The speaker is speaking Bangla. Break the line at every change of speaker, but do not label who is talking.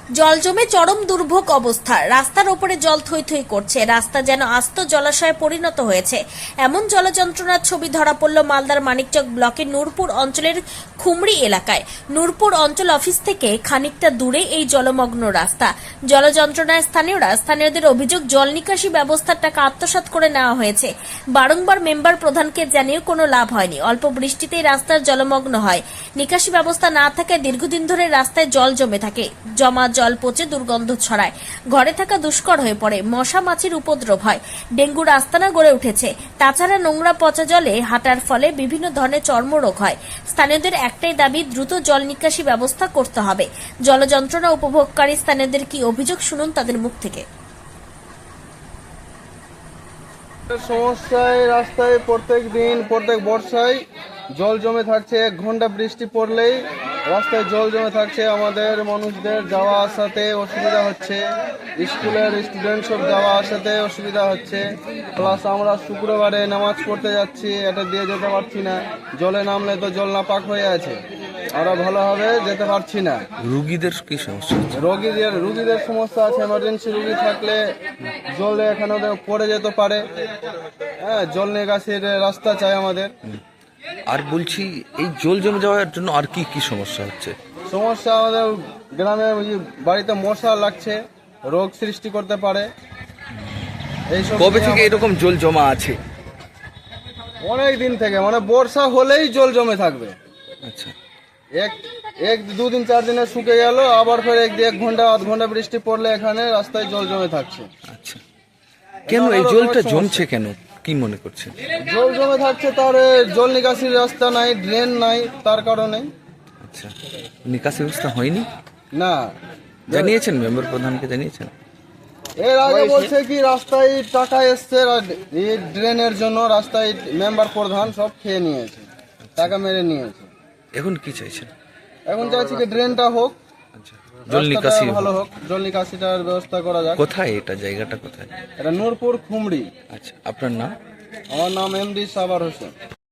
জল জমে চরম দুর্ভোগ অবস্থা। রাস্তার ওপরে জল থই থই করছে, রাস্তা যেন আস্ত জলাশয়ে পরিণত হয়েছে। এমন জলযন্ত্রণার ছবি ধরা পড়ল মালদার মানিকচক ব্লকের নূরপুর অঞ্চলের খুমড়ি এলাকায়। নূরপুর অঞ্চল অফিস থেকে খানিকটা দূরে এই জলমগ্ন রাস্তা। জলযন্ত্রণায় স্থানীয়দের অভিযোগ, জল নিকাশি ব্যবস্থার টাকা আত্মসাৎ করে নেওয়া হয়েছে। বারংবার মেম্বার প্রধানকে জানিয়েও কোনো লাভ হয়নি। অল্প বৃষ্টিতেই রাস্তার জলমগ্ন হয়। নিকাশি ব্যবস্থা না থাকায় দীর্ঘদিন ধরে রাস্তায় জল জমে থাকে। জমা জল পচে দুর্গন্ধ ছড়ায়, ঘরে থাকা দুষ্কর হয়ে পড়ে, মশা মাছির উপদ্রব হয়, ডেঙ্গুর আস্তানা গড়ে উঠেছে। তাছাড়া নোংরা পচা জলে হাঁটার ফলে বিভিন্ন ধরনের চর্মরোগ হয়। স্থানীয়দের একটাই দাবি, দ্রুত জল নিকাশি ব্যবস্থা করতে হবে। জলযন্ত্রণা উপভোগকারী স্থানীয়দের কি অভিযোগ, শুনুন তাদের মুখ থেকে।
সমস্যায় রাস্তায় প্রত্যেক দিন প্রত্যেক বর্ষায় জল জমে থাকছে। 1 ঘন্টা বৃষ্টি পড়লেই রাস্তায় জল জমে থাকছে। আমাদের মানুষদের যাওয়া আসাতে অসুবিধা হচ্ছে, স্কুলের স্টুডেন্ট সব যাওয়া আসাতে অসুবিধা হচ্ছে। প্লাস আমরা শুক্রবারে নামাজ পড়তে যাচ্ছি, এটা দিয়ে যেতে পারছি না। জলে নামলে তো জল নাপাক হয়ে আছে, আমরা ভালোভাবে যেতে পারছি না।
রুগীদের কি সমস্যা?
রুগীদের সমস্যা আছে। এমার্জেন্সি রুগী থাকলে জলে এখানে ওদের পড়ে যেতে পারে। হ্যাঁ, জল নিকাশির রাস্তা চাই আমাদের।
আর বলছি, এই জল জমে যাওয়ার জন্য আর কি কি সমস্যা হচ্ছে?
সমস্যা আমাদের গ্রামে বাড়িতে মশা লাগছে, রোগ সৃষ্টি করতে পারে। এইসব
কবে থেকে এরকম জল জমা আছে?
অনেক দিন থেকে, মানে বর্ষা হলেই জল জমে থাকবে।
আচ্ছা,
এক 2 দিন 4 দিনে শুকে গেল, আবার ফের 1 ঘন্টা 1/2 ঘন্টা বৃষ্টি পড়লে এখানে রাস্তায় জল জমে থাকছে।
আচ্ছা, কেন এই জলটা জমছে কেন, কি মনে করছেন?
জল জমে থাকছে, তার জল নিকাশির রাস্তা নাই, ড্রেন নাই, তার কারণে।
আচ্ছা, নিকাশি ব্যবস্থা হয়নি?
না,
জানিয়েছেন মেম্বার প্রধানকে? জানিয়েছেন?
এর আগে বলছে কি রাস্তায় টাকা এসছে এই ড্রেনের জন্য, রাস্তায় মেম্বার প্রধান সব খেয়ে নিয়েছে, টাকা মেরে নিয়েছে।
এখন কি চাইছেন?
এখন চাইছি কি ড্রেনটা হোক,
আচ্ছা, জল নিকাশি
ভালো হোক, জল নিকাশিটার ব্যবস্থা করা যাক।
কোথায় এটা, জায়গাটা কোথায়?
এটা নূরপুর খুমড়ি।
আচ্ছা, আপনার নাম?
আমার নাম এমডি সাবার হোসেন।